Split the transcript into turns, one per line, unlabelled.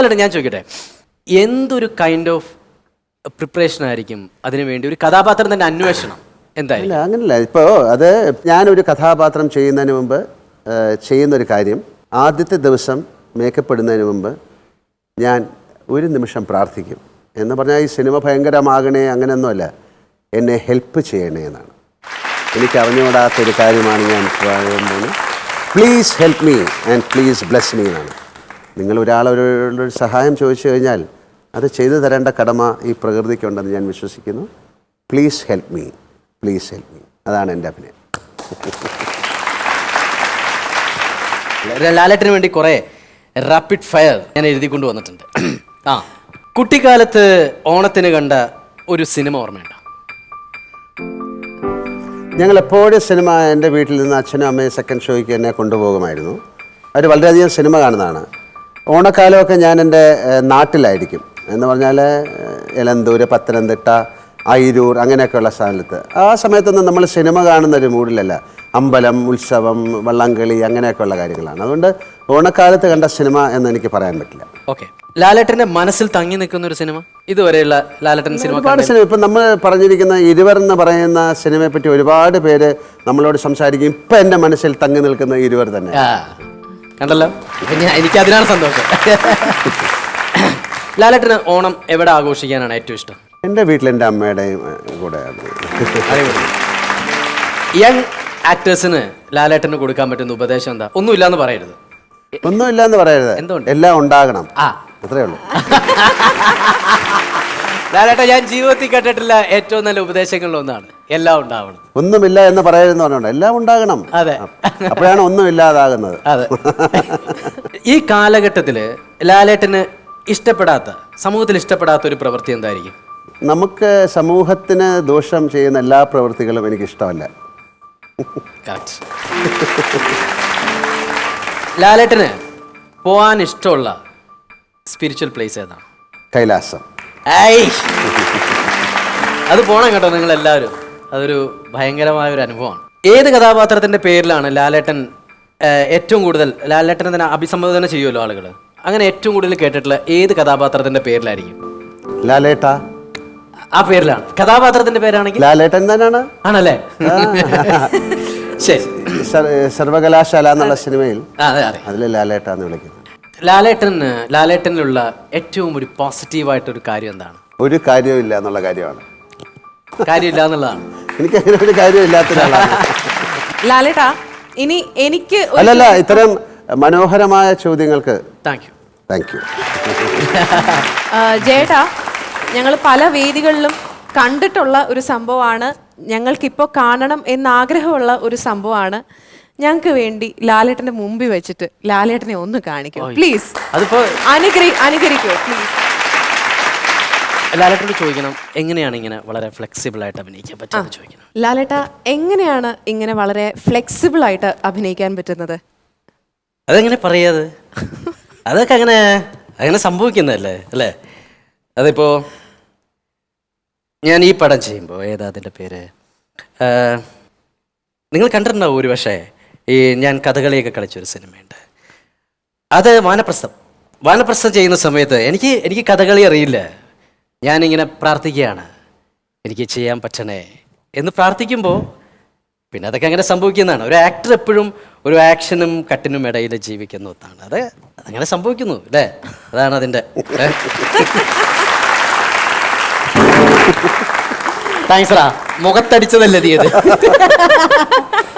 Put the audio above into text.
ഞാൻ ചോദിക്കട്ടെ, എന്തൊരു കൈൻഡ് ഓഫ് പ്രിപ്പറേഷൻ ആയിരിക്കും അതിനു വേണ്ടി ഒരു കഥാപാത്രം തന്നെ അന്വേഷണം എന്തായാലും?
അങ്ങനല്ല. ഇപ്പോൾ അത് ഞാനൊരു കഥാപാത്രം ചെയ്യുന്നതിന് മുമ്പ് ചെയ്യുന്നൊരു കാര്യം, ആദ്യത്തെ ദിവസം മേക്കപ്പ് ഇടുന്നതിന് മുമ്പ് ഞാൻ ഒരു നിമിഷം പ്രാർത്ഥിക്കും. എന്ന് പറഞ്ഞാൽ ഈ സിനിമ ഭയങ്കരമാകണേ അങ്ങനെയൊന്നുമല്ല, എന്നെ ഹെൽപ്പ് ചെയ്യണേ എന്നാണ്. എനിക്ക് അറിഞ്ഞുകൂടാത്തൊരു കാര്യമാണ് ഞാൻ പറയുന്നത്. Please help me and please bless me എന്നാണ്. നിങ്ങൾ ഒരാളൊരു സഹായം ചോദിച്ചു കഴിഞ്ഞാൽ അത് ചെയ്തു തരേണ്ട കടമ ഈ പ്രകൃതിക്കുണ്ടെന്ന് ഞാൻ വിശ്വസിക്കുന്നു. Please help me, please help me, അതാണ് എൻ്റെ അഭിനയം.
ലാലേട്ടന് വേണ്ടി കുറേ റാപ്പിഡ് ഫയർ ഞാൻ എഴുതിക്കൊണ്ട് വന്നിട്ടുണ്ട്. കുട്ടിക്കാലത്ത് ഓണത്തിന് കണ്ട ഒരു സിനിമ ഓർമ്മയുണ്ടോ?
ഞങ്ങൾ എപ്പോഴും സിനിമ എൻ്റെ വീട്ടിൽ നിന്ന് അച്ഛനും അമ്മയും സെക്കൻഡ് ഷോയ്ക്ക് എന്നെ കൊണ്ടുപോകുമായിരുന്നു. അവർ വളരെയധികം സിനിമ കാണുന്നതാണ്. ഓണക്കാലമൊക്കെ ഞാൻ എൻ്റെ നാട്ടിലായിരിക്കും. എന്ന് പറഞ്ഞാൽ എലന്തൂർ, പത്തനംതിട്ട, അയിരൂർ അങ്ങനെയൊക്കെയുള്ള സ്ഥലത്ത്. ആ സമയത്തൊന്നും നമ്മൾ സിനിമ കാണുന്നൊരു മൂഡിലല്ല. അമ്പലം, ഉത്സവം, വള്ളംകളി അങ്ങനെയൊക്കെയുള്ള കാര്യങ്ങളാണ്. അതുകൊണ്ട് ഓണക്കാലത്ത് കണ്ട സിനിമ എന്ന് എനിക്ക് പറയാൻ പറ്റില്ല.
ഓക്കെ, ലാലേട്ടൻ്റെ മനസ്സിൽ തങ്ങി നിൽക്കുന്ന ഒരു സിനിമ ഇതുവരെയുള്ള ലാലേട്ടൻ സിനിമ?
ഒരുപാട് സിനിമ. ഇപ്പം നമ്മൾ പറഞ്ഞിരിക്കുന്ന ഇരുവർ എന്ന് പറയുന്ന സിനിമയെ പറ്റി ഒരുപാട് പേര് നമ്മളോട് സംസാരിക്കും. ഇപ്പം എൻ്റെ മനസ്സിൽ തങ്ങി നിൽക്കുന്ന ഇരുവർ തന്നെ.
കണ്ടല്ലോ, എനിക്ക് അതിനാണ് സന്തോഷം. ലാലേട്ടന് ഓണം എവിടെ ആഘോഷിക്കാനാണ് ഏറ്റവും ഇഷ്ടം?
എൻ്റെ വീട്ടിൽ എൻ്റെ അമ്മയുടെയും കൂടെ.
യങ് ആക്ടേഴ്സിന് ലാലേട്ടന് കൊടുക്കാൻ പറ്റുന്ന ഉപദേശം എന്താ? ഒന്നുമില്ലാന്ന് പറയരുത്.
ഒന്നുമില്ലാന്ന് പറയരുത്,
എന്തുകൊണ്ട്?
എല്ലാം ഉണ്ടാകണം. അത്രേ ഉള്ളൂ.
ലാലേട്ട, ഞാൻ ജീവിതത്തിൽ കേട്ടിട്ടില്ല ഏറ്റവും നല്ല ഉപദേശങ്ങളിലൊന്നാണ് എല്ലാം ഉണ്ടാവണം.
ഒന്നുമില്ല എന്ന് പറയരുതെന്ന് പറഞ്ഞോണ്ട് എല്ലാം ഉണ്ടാകണം.
അതെ,
അപ്പോഴാണ് ഒന്നുമില്ലാതാകുന്നത്.
അതെ. ഈ കാലഘട്ടത്തില് ലാലേട്ടന് ഇഷ്ടപ്പെടാത്ത, സമൂഹത്തിൽ ഇഷ്ടപ്പെടാത്ത ഒരു പ്രവൃത്തി എന്തായിരിക്കും?
നമുക്ക് സമൂഹത്തിന് ദോഷം ചെയ്യുന്ന എല്ലാ പ്രവൃത്തികളും എനിക്കിഷ്ടമല്ല.
ലാലേട്ടന് പോവാൻ ഇഷ്ടമുള്ള സ്പിരിച്വൽ പ്ലേസ് ഏതാണ്?
കൈലാസം.
അത് പോണം കേട്ടോ നിങ്ങൾ എല്ലാവരും. അതൊരു ഭയങ്കരമായ ഒരു അനുഭവമാണ്. ഏത് കഥാപാത്രത്തിന്റെ പേരിലാണ് ലാലേട്ടൻ ഏറ്റവും കൂടുതൽ, ലാലേട്ടനെ തന്നെ അഭിസംബോധന ചെയ്യുമല്ലോ ആളുകൾ, അങ്ങനെ ഏറ്റവും കൂടുതൽ കേട്ടിട്ടുള്ള ഏത് കഥാപാത്രത്തിന്റെ പേരിലായിരിക്കും?
ലാലേട്ട.
ആ പേരിലാണ്. കഥാപാത്രത്തിന്റെ പേരാണെങ്കിൽ
ലാലേട്ടൻ തന്നെയാണ്.
ആണല്ലേ? ശരി.
സർവകലാശാല എന്നുള്ള സിനിമയിൽ അതിൽ ലാലേട്ട എന്ന് വിളിക്കുന്നത്.
ലാലേട്ടനിലുള്ള ഏറ്റവും ഒരു പോസിറ്റീവായിട്ടൊരു കാര്യം എന്താണ്?
ഒരു കാര്യമില്ല എന്നുള്ള കാര്യമാണ്.
കാര്യമില്ല എന്നുള്ളതാണ്.
എനിക്ക് അങ്ങനെ ഒരു കാര്യമില്ലാത്ത ഒരാളാണ്
ലാലേട്ടാ. ഇനി എനിക്ക്
അല്ലല്ല, ഇത്തരം മനോഹരമായ ചോദ്യങ്ങൾക്ക്
താങ്ക് യു.
Thank you.
ജയേട്ടാ, ഞങ്ങൾ പല വേദികളിലും കണ്ടിട്ടുള്ള ഒരു സംഭവമാണ്, ഞങ്ങൾക്കിപ്പോൾ കാണണം എന്നാഗ്രഹമുള്ള ഒരു സംഭവമാണ്. ഞങ്ങൾക്ക് വേണ്ടി ലാലേട്ടന്റെ മുമ്പിൽ വെച്ചിട്ട് ലാലേട്ടനെ ഒന്ന് കാണിക്കൂ പ്ലീസ്.
അതിപ്പോ
അനുകരിക്കോ പ്ലീസ്?
ലാലേട്ടനോട് ചോദിക്കണം, എങ്ങനെയാണ് ഇങ്ങനെ വളരെ ഫ്ലെക്സിബിൾ ആയിട്ട് അഭിനയിക്കാൻ പറ്റുന്നത് ചോദിക്കണം.
ലാലേട്ട, എങ്ങനെയാണ് ഇങ്ങനെ വളരെ ഫ്ലെക്സിബിൾ ആയിട്ട് അഭിനയിക്കാൻ പറ്റുന്നത്?
അതെങ്ങനെ പറയാത്? അതൊക്കെ അങ്ങനെ സംഭവിക്കുന്നതല്ലേ അല്ലേ? അതിപ്പോ ഞാൻ ഈ പടം ചെയ്യുമ്പോൾ, ഏതാ അതിൻ്റെ പേര്, നിങ്ങൾ കണ്ടിട്ടുണ്ടാവും ഒരു പക്ഷേ, ഈ ഞാൻ കഥകളിയൊക്കെ കളിച്ചൊരു സിനിമയുണ്ട്. അത് വാനപ്രസ്ഥം ചെയ്യുന്ന സമയത്ത് എനിക്ക് കഥകളി അറിയില്ല. ഞാനിങ്ങനെ പ്രാർത്ഥിക്കുകയാണ്, എനിക്ക് ചെയ്യാൻ പറ്റണേ എന്ന് പ്രാർത്ഥിക്കുമ്പോൾ പിന്നെ അതൊക്കെ അങ്ങനെ സംഭവിക്കുന്നതാണ്. ഒരു ആക്ടർ എപ്പോഴും ഒരു ആക്ഷനും കട്ടിനും ഇടയിൽ ജീവിക്കുന്ന ഒന്നാണ്. അതങ്ങനെ സംഭവിക്കുന്നു അല്ലേ? അതാണ് അതിൻ്റെ. താങ്ക്സ് റാ, മുഖത്തടിച്ചതല്ലേ തീയത്.